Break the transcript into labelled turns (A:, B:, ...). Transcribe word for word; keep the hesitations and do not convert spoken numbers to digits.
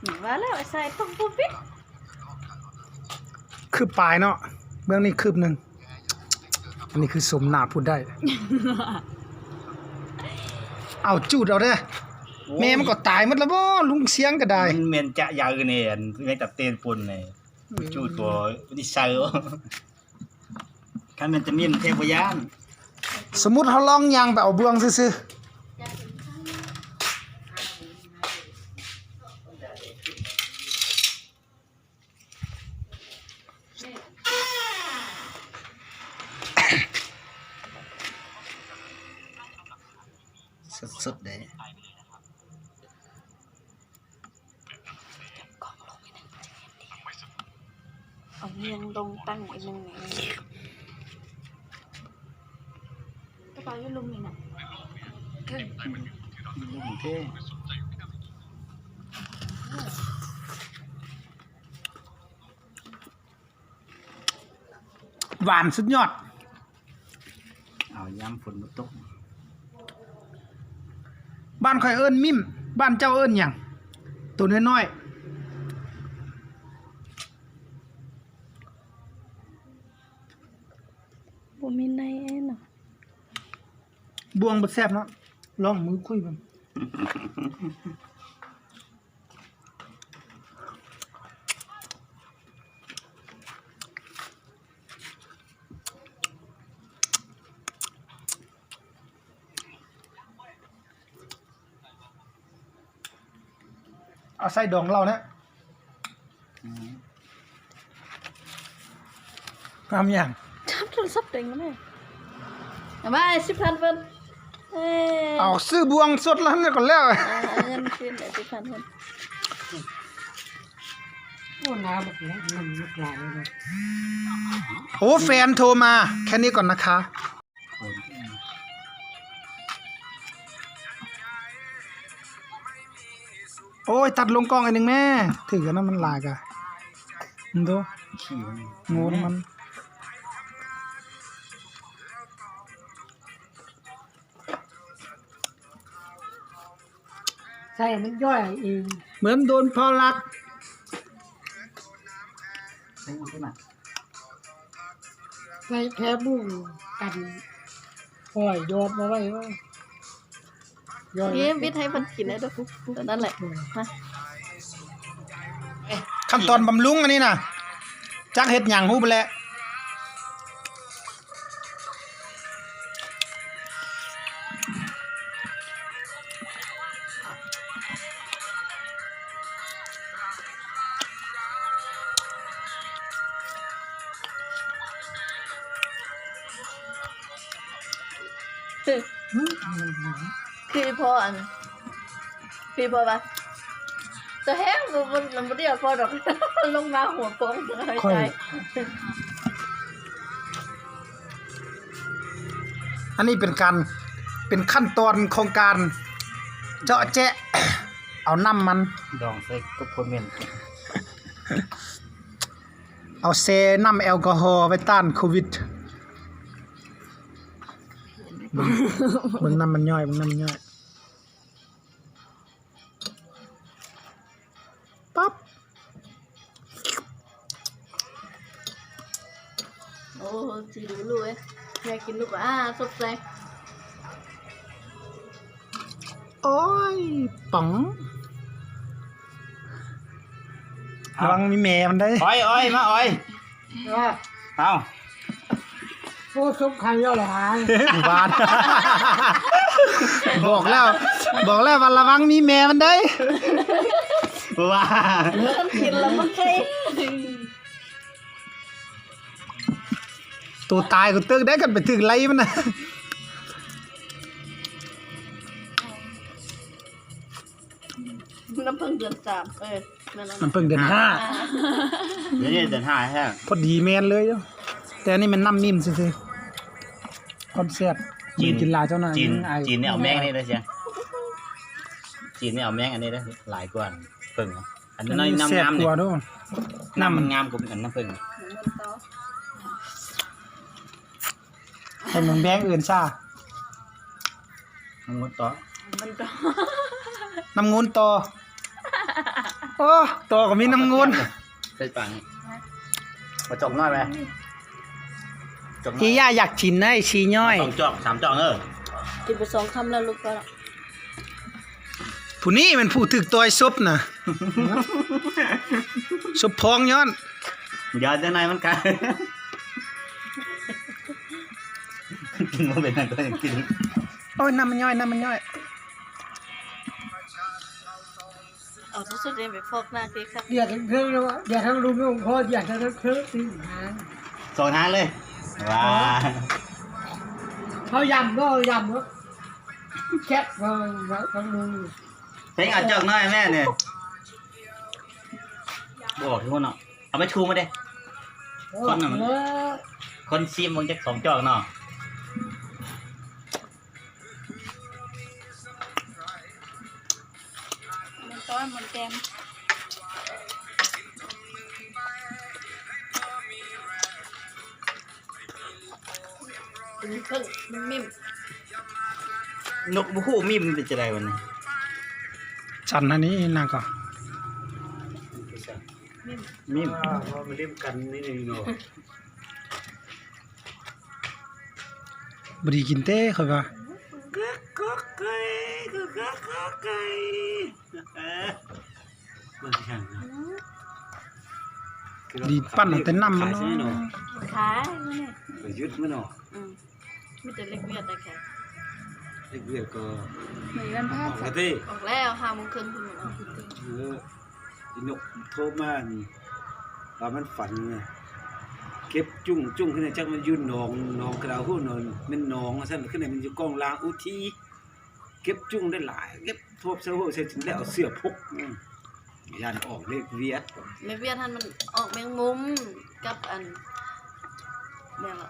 A: ว่าแล้วใส่ต้องปุ๊บปิ๊บ
B: คืบปลายเนาะเบื้องนี้คืบหนึ่งอันนี้คือสมนาพูดได้ เอาจูดเอาเด้อแม่มันก็ตายหมดแล้วบ่ลุงเสียงก็ได้
C: มันเมียนจะยาวเนี่ยแม่งตัดเตียนปุ่นเนี่ยจูดตัวดิเซลคันมันจะมีเทพยาน
B: สมมุติเขาลองยางไปเอาเบื้องซื่อ
C: สุดๆเลย
A: เอาเงียงลงตั้งอีกนึงไงกระเป๋าอยู่ลุมนี่น่ะ
C: โอเค
B: หวานสุดยอด
C: เอาย้ำฝนมาตก
B: บ้านข่อยเอิ้นมิมบ้านเจ้าเอิ้นหยังตัวน้อย
A: ๆบ่มีในเอ็นน่ะ
B: บวงบ่แซ่บเนาะลองมือคุยกันเอาใส่ดองเรานะทำอย่าง
A: จับโทรศัพท์เต็งมาเลยเอามาสิบพันเพิ่นเอ้ย
B: เอาซื้อบวงสดแล้วนี่ก่อนแล้ว
A: เอาเงินคืนได้สิบพันเพิ่น
D: โอ้น้ำแบบนี้มันไม่กลายเลย
B: โอ้แฟนโทรมาแค่นี้ก่อนนะคะโอ้ยตัดลงกล้องอันหนึ่งแม่ถือกันนะมันลากอะมันดูงูมัน
D: ใช่มันย่อยเอง
B: เหมือนโดนพอรัก
C: ใช่ไหม
D: ใส่แค่บุ้งกันปล่อยโยนมาไว้ว่าย่อย
A: นี่วิทย์ให้มันกินได้ด้วยปุ๊บนั่นแหละมา
B: ขั้นตอนบำรุงอันนี้นะจักเห็ดหยังฮู้ไปแล้ว
A: คือคือพออันคือพอปะจะแห้งมันมันมันเดียวพอดอกลงมาหัวโป้งเลยใจ
B: อันนี้เป็นการเป็นขั้นตอนของการเจาะแจะเอาน้ำมัน
C: ดองใส่กับคนเมียน
B: เอาเซน้ำแอลกอฮอล์ไว้ต้านโควิดมึงน้ำมันย่อยมึงน้ำมันย่อยปั๊บ
A: โอ้จีดูลูกเอ้ยอยากกินลูกอ่ะสดใส
B: โอ้ยป๋องระวังมีแม่มันได้
C: อ้อยอ้อยมาอ้อย
D: ว่า
C: เอา
D: โอ้ซุปไข่ย่อยหาย
B: บานบอกแล้วบอกแล้วว่าระวังมีแม่มันได้
C: ว้า
A: กินแล้วมันใคร
B: ตัวตายก็ตึกได้กันไปถึงไรมันนะ
A: น้ำพึ่งเดือนสามเออ
B: มันเพิ่งเดือนห้า
C: เดี๋ยวนี้เดือนห้าใช่ไหม
B: พอดีแมนเลยแต่นี่มันน้ำนิ่มซื่อคอนเซ็ปต์จีนกินลาเจ้าหน่อย
C: จีนจีนเนี่ยเอาแมงนี่เลยใช่จีนเนี่ยเอาแมงอันนี้เลยหลายกว่าเพิ่งอันนี้น้ำน้ำงามเนี่ยน้ำมันงามกว่าอันน้ำเพิ่ง
B: เป็นเหมือนแบงค์อื่นซ่า
C: น้ำงุ้นต่อ
A: มันต่อ
B: น้ำงุ้นต่อโอ้ตัวก็มีน้ำงูน
C: ใส่ปังมาจอกน้อยไหมจอกน้อย
B: ที่ย่าอยากชินนะไอ้ชีย่อย
C: สองจอกสามจอกเออ
A: กินไปสองคำแล้วลูกก็ละ
B: ผู้นี้มันผู้ถึกตัวไอ้ซุปน่ะซุปพองย้อน
C: เดี๋ยวจะนายมันกันกินมาเป็นอะไรก็ยังกิน
B: โอ้ยน้ำมันย่อยน้ำมันย่อย
A: เอาที่สุดเลยไปฟอกหน้าทีครับ
D: เดี๋ยวทั้งเครื่องแล้ววะเดี๋ยวทั้งลุงทั้งพ่อเดี๋ยวทั้งเครื่องตีหาง
C: สองทางเลยว้า
D: เขายำก็ยำก็แคบก็ทั้งลุง
C: เพลงเอาจอกน้อยแม่เนี่ยบอกทุกคนเนาะเอาไปชูมาเด้ คนหนึ่ง
D: แล้ว
C: คนซีมมึงจะสองจอกเนาะ
A: มันต้อนมันแกมมันครึ่งมันมิ่ม
C: นกบุคู่มีมันเป็นจะไรวันนี้
B: ฉันอันนี้นางก็
A: มิ่ม
C: มีม
E: ว่ามาเล่นกันนี่เองเนาะ
B: บไดีกินเต้ค่อยว่า
C: ก็ก็ไก่ก็ก็ก็ไก่เออ
E: มันช่างนะ
B: ดีปั้นเอาแต่น้ำมัน
E: ขายใช่ไหม
B: เนาะ
E: เนาะ
A: ขายมันเนี่ย
E: ไปยึดมันเนาะ
A: อืมมีแต่เล็กเวียดแต่แค่
E: เด็กเวียดก็
A: เหมือนกันพ
E: อ
A: ลา
E: อก
A: ด
E: มาดิ
A: ออกแล้วห้าโมงครึ่งคุณเอาคุณตี
E: เอออีนกโทรมานี่ว่ามันฝันไงเก็บจุ้งจุ้งขึ้นในจักมันยืนหนองหนองกระดาวหู้นอนมันหนองซั่นขึ้นในมันอยู่กองลางอุทีเก็บจุ้งได้หลายเก็บทบเสื้อหู้ใส่ถึงแล้วเอาเสื้อพกอืมยันออกเลขเวียด
A: เล็กเวียดท่านมันออกแมงมุมกับอันเนี่ยละ